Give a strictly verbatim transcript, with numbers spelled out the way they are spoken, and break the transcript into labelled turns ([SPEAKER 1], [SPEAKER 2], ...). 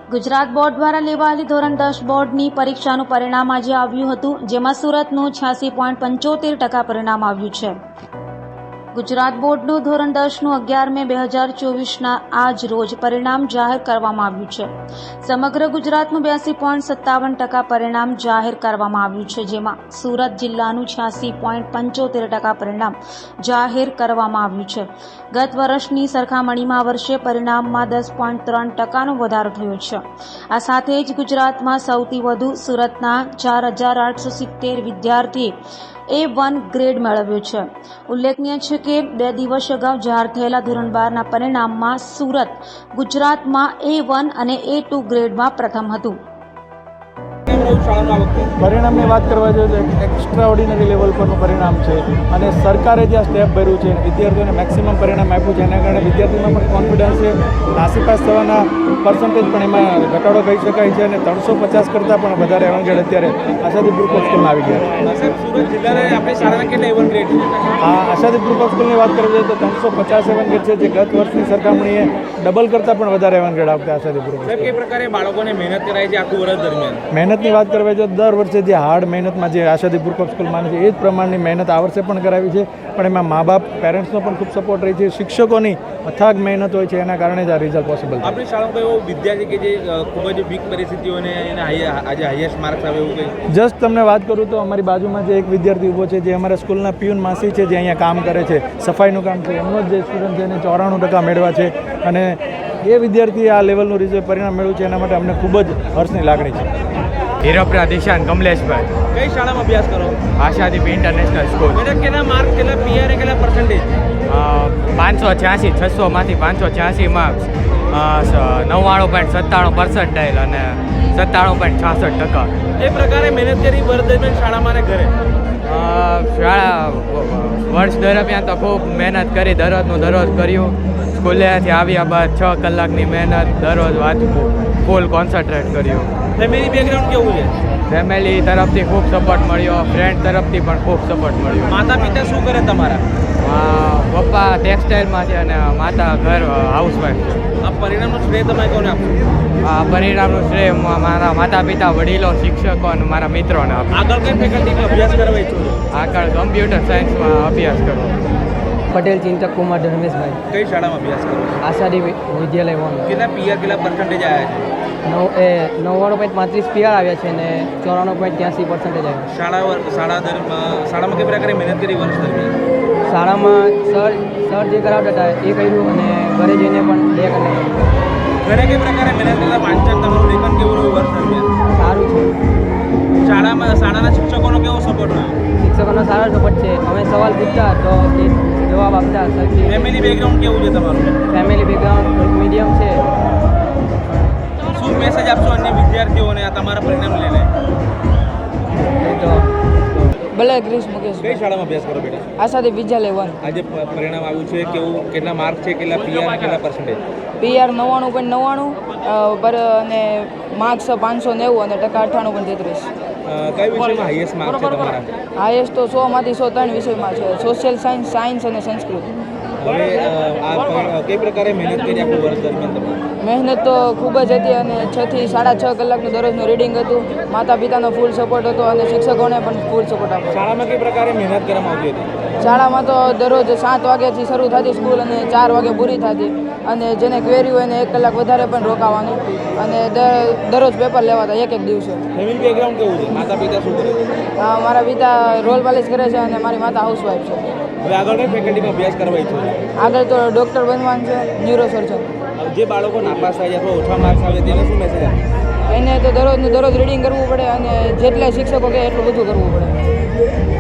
[SPEAKER 1] Gujarat board દ્વારા લેવાયેલી ધોરણ દસ બોર્ડની પરીક્ષાનું પરિણામ આજે આવ્યું હતું, જેમાં સુરતનું છ્યાસી પોઈન્ટ પંચોતેર ટકા પરિણામ આવ્યું છે. ગુજરાત બોર્ડનું ધોરણ દસનું અગિયાર મે બે હજાર ચોવીસના આજ રોજ પરિણામ જાહેર કરવામાં આવ્યું છે. સમગ્ર ગુજરાતનું બ્યાસી પોઈન્ટ સત્તાવન ટકા પરિણામ જાહેર કરવામાં આવ્યું છે, જેમાં સુરત જિલ્લાનું છ્યાસી પોઈન્ટ પંચોતેર ટકા પરિણામ જાહેર કરવામાં આવ્યું છે. ગત વર્ષની સરખામણીમાં આ વર્ષે પરિણામમાં દસ પોઈન્ટ ત્રણ ટકાનો વધારો થયો છે. આ સાથે જ ગુજરાતમાં સૌથી વધુ સુરતના ચાર હજાર આઠસો સિત્તેર વિદ્યાર્થીએ એ વન ગ્રેડ મેળવ્યો છે. ઉલ્લેખનીય છે કે બે દિવસ અગાઉ જાહેર થયેલા ધોરણ બારના પરિણામમાં સુરત ગુજરાતમાં એ વન અને એ ટુ ગ્રેડમાં પ્રથમ હતું.
[SPEAKER 2] પરિણામની વાત કરવા જોઈએ તો એક્સ્ટ્રા ઓર્ડિનરી લેવલ પરનું પરિણામ છે અને સરકારે જે આ સ્ટેપ ભર્યું છે વિદ્યાર્થીઓને મેક્સિમમ પરિણામ આપ્યું છે, એના કારણે વિદ્યાર્થીઓમાં પણ કોન્ફિડન્સ છે. નાસીપાસ થવાના પર્સન્ટેજ પણ એમાં ઘટાડો કહી શકાય છે અને ત્રણસો પચાસ કરતાં પણ વધારે એવરેજ અત્યારે આશાદી ગ્રુપ ઓફ સ્કૂલમાં આવી ગયા છે.
[SPEAKER 3] સુરત જિલ્લાના આપણી શાળાના કેટલા એવન ગ્રેડ છે?
[SPEAKER 2] આ આશાદી ગ્રુપ ઓફ સ્કૂલની વાત કરવી જોઈએ તો ત્રણસો પચાસ એવન ગ્રેડ છે, જે ગત વર્ષની સરખામણીએ ડબલ કરતાં પણ વધારે એવન ગ્રેડ આપતા આશાદી ગ્રુપ.
[SPEAKER 3] કઈ પ્રકારે બાળકોને મહેનત કરાય છે આખું વર્ષ દરમિયાન?
[SPEAKER 2] મહેનતની વાત કરવા જોઈએ દર વર્ષે જે હાર્ડ મહેનતમાં જે આશાદી ગ્રુપ ઓફ સ્કૂલ માને છે એ જ પ્રમાણની મહેનત આ વર્ષે પણ કરાવી છે, પણ એમાં મા બાપ પેરેન્ટ્સનો પણ ખૂબ સપોર્ટ રહી છે, શિક્ષકોની અથાગ મહેનત હોય છે, એના કારણે જ આ રિઝલ્ટ પોસિબલ છે.
[SPEAKER 3] આપણી શાળામાં એવો વિદ્યાર્થી કે જે ખૂબ જ વીક પરિસ્થિતિઓને એને આજે હાઈએસ્ટ માર્ક્સ આવે એવું કંઈ?
[SPEAKER 2] જસ્ટ તમને વાત કરું તો અમારી બાજુમાં જે એક વિદ્યાર્થી ઊભો છે, જે અમારા સ્કૂલના પિયુન માસી છે, જે અહીંયા કામ કરે છે, સફાઈનું કામ છે, એમનો જ જે સ્ટુડન્ટ છે એને ચોરાણું ટકા મેળવ્યા છે અને એ વિદ્યાર્થીએ આ લેવલનું રિઝલ્ટ પરિણામ મેળવ્યું છે, એના માટે અમને ખૂબ જ હર્ષની લાગણી છે.
[SPEAKER 4] હીરોપરા દિશાન કમલેશભાઈ.
[SPEAKER 3] કઈ શાળામાં અભ્યાસ કરો?
[SPEAKER 4] Ashadeep international school.
[SPEAKER 3] બેટા કેટલા માર્ક, કેટલા પીઆર, કેટલા પર્સન્ટેજ?
[SPEAKER 4] પાંચસો છ્યાસી છસોમાંથી પાંચસો છ્યાસી માર્ક્સ, નવ્વાણું પોઈન્ટ સત્તાણું પર્સન્ટાઇલ અને સત્તાણું પોઈન્ટ છાસઠ ટકા.
[SPEAKER 3] એ પ્રકારે મહેનત કરી વર્ષ દરમિયાન શાળામાં અને ઘરે?
[SPEAKER 4] શાળા વર્ષ દરમિયાન તો ખૂબ મહેનત કરી, દરરોજનું દરરોજ કર્યું. સ્કૂલેથી આવ્યા બાદ છ કલાકની મહેનત, દરરોજ વાંચવું, ફૂલ કોન્સન્ટ્રેટ કર્યું.
[SPEAKER 3] ફેમિલી બેકગ્રાઉન્ડ કેવું છે?
[SPEAKER 4] ફેમિલી તરફથી ખૂબ સપોર્ટ મળ્યો, ફ્રેન્ડ તરફથી પણ ખૂબ સપોર્ટ મળ્યો.
[SPEAKER 3] માતા પિતા શું કરે તમારા?
[SPEAKER 4] પપ્પા ટેક્સટાઇલમાં છે અને માતા ઘર હાઉસવાઈફ છે.
[SPEAKER 3] આ પરિણામનું શ્રેય તમે કોને આપો?
[SPEAKER 4] આ પરિણામનું શ્રેય મારા માતા પિતા, વડીલો, શિક્ષકો અને મારા મિત્રોને આપો.
[SPEAKER 3] આગળ કઈ ફેકલ્ટીમાં અભ્યાસ કરવા ઈચ્છો છો?
[SPEAKER 4] આગળ કમ્પ્યુટર સાયન્સમાં અભ્યાસ કરો.
[SPEAKER 5] પટેલ ચિંતક કુમાર ધર્મેશભાઈ.
[SPEAKER 3] કઈ શાળામાં અભ્યાસ કરો?
[SPEAKER 5] આશાદી વિદ્યાલય વન.
[SPEAKER 3] કેટલા પીઆર, કેટલા પર્સન્ટેજ આવ્યા છે?
[SPEAKER 5] નવ એ નવ્વાણું પોઈન્ટ પાંત્રીસ પીઆર આવ્યા છે અને ચોરાણું પોઈન્ટ ત્યાંસી પર્સન્ટેજ આવ્યા.
[SPEAKER 3] શાળા શાળા દરમિયાન શાળામાં કઈ પ્રકારે મહેનત કરી વર્ષ દરમિયાન?
[SPEAKER 5] શાળામાં સર સર જે કરાવતા હતા એ કર્યું અને ઘરે જઈને પણ બે કરી.
[SPEAKER 3] ઘરે કઈ પ્રકારે મહેનત કરતા વાંચન તમારું લેખન કેવું રહ્યું વર્ષ દરમિયાન?
[SPEAKER 5] સારું છે.
[SPEAKER 3] શાળામાં શાળાના શિક્ષકોનો કેવો સપોર્ટ રહ્યો?
[SPEAKER 5] શિક્ષકોનો સારો સપોર્ટ છે. અમે સવાલ પૂછતા તો એ જવાબ આપતા.
[SPEAKER 3] ફેમિલી બેકગ્રાઉન્ડ કેવું છે તમારું?
[SPEAKER 5] ફેમિલી બેકગ્રાઉન્ડ મીડિયમ છે.
[SPEAKER 3] શું મેસેજ આપશો અન્ય વિદ્યાર્થીઓને આ તમારા પરિણામ લઈને?
[SPEAKER 5] તો ભલે ક્રિશ મુકેશ.
[SPEAKER 3] કઈ શાળામાં અભ્યાસ કરો બેટા?
[SPEAKER 5] આશાદી વિદ્યાલય વન.
[SPEAKER 3] આજે પરિણામ આવ્યું છે, કેવું, કેટલા માર્ક છે, કેટલા પીઆર, કેટલા પર્સન્ટેજ?
[SPEAKER 5] પીઆર નવ્વાણું પોઈન્ટ નવ્વાણું પર અને માર્ક્સ પાંચસો નેવું અને ટકા અઠ્ઠાણું પોઈન્ટ તેત્રીસ.
[SPEAKER 3] કઈ વિષયમાં હાઈએસ્ટ માર્ક છે તમારા?
[SPEAKER 5] હાઈએસ્ટ તો સોમાંથી સો ત્રણ વિષયમાં છે, સોશિયલ સાયન્સ, સાયન્સ અને સંસ્કૃત.
[SPEAKER 3] હવે આ કઈ પ્રકારે મહેનત કરી આખું વર્ષ દરમિયાન તમે?
[SPEAKER 5] મહેનત તો ખૂબ જ હતી અને છ થી સાડા છ કલાકનું દરરોજનું રીડિંગ હતું. માતા પિતાનો ફૂલ સપોર્ટ હતો અને શિક્ષકોને પણ ફૂલ સપોર્ટ આપ્યો.
[SPEAKER 3] શાળામાં કઈ પ્રકારે મહેનત કરવામાં આવતી હતી?
[SPEAKER 5] શાળામાં તો દરરોજ સાત વાગ્યાથી શરૂ થતી સ્કૂલ અને ચાર વાગે પૂરી થતી અને જેને ક્વેરી હોય એને એક કલાક વધારે પણ રોકાવાનું અને દરરોજ પેપર લેવાતા એક એક દિવસે.
[SPEAKER 3] ફેમિલી બેકગ્રાઉન્ડ કેવું છે? માતા પિતા શું કરે?
[SPEAKER 5] મારા પિતા રોલ પાલિશ કરે છે અને મારી માતા હાઉસવાઈફ છે.
[SPEAKER 3] હવે આગળ કઈ ફેકલ્ટીમાં અભ્યાસ કરવા ઈચ્છો છો?
[SPEAKER 5] આગળ તો ડૉક્ટર બનવાનું છે, ન્યુરોસર્જન.
[SPEAKER 3] જે બાળકો નાપાસ થાય છે અથવા ઓછા માર્ક્સ આવે તેને શું મેસેજ આપે?
[SPEAKER 5] એને તો દરરોજનું દરરોજ રીડિંગ કરવું પડે અને જેટલા શિક્ષકો કહે એટલું બધું કરવું પડે.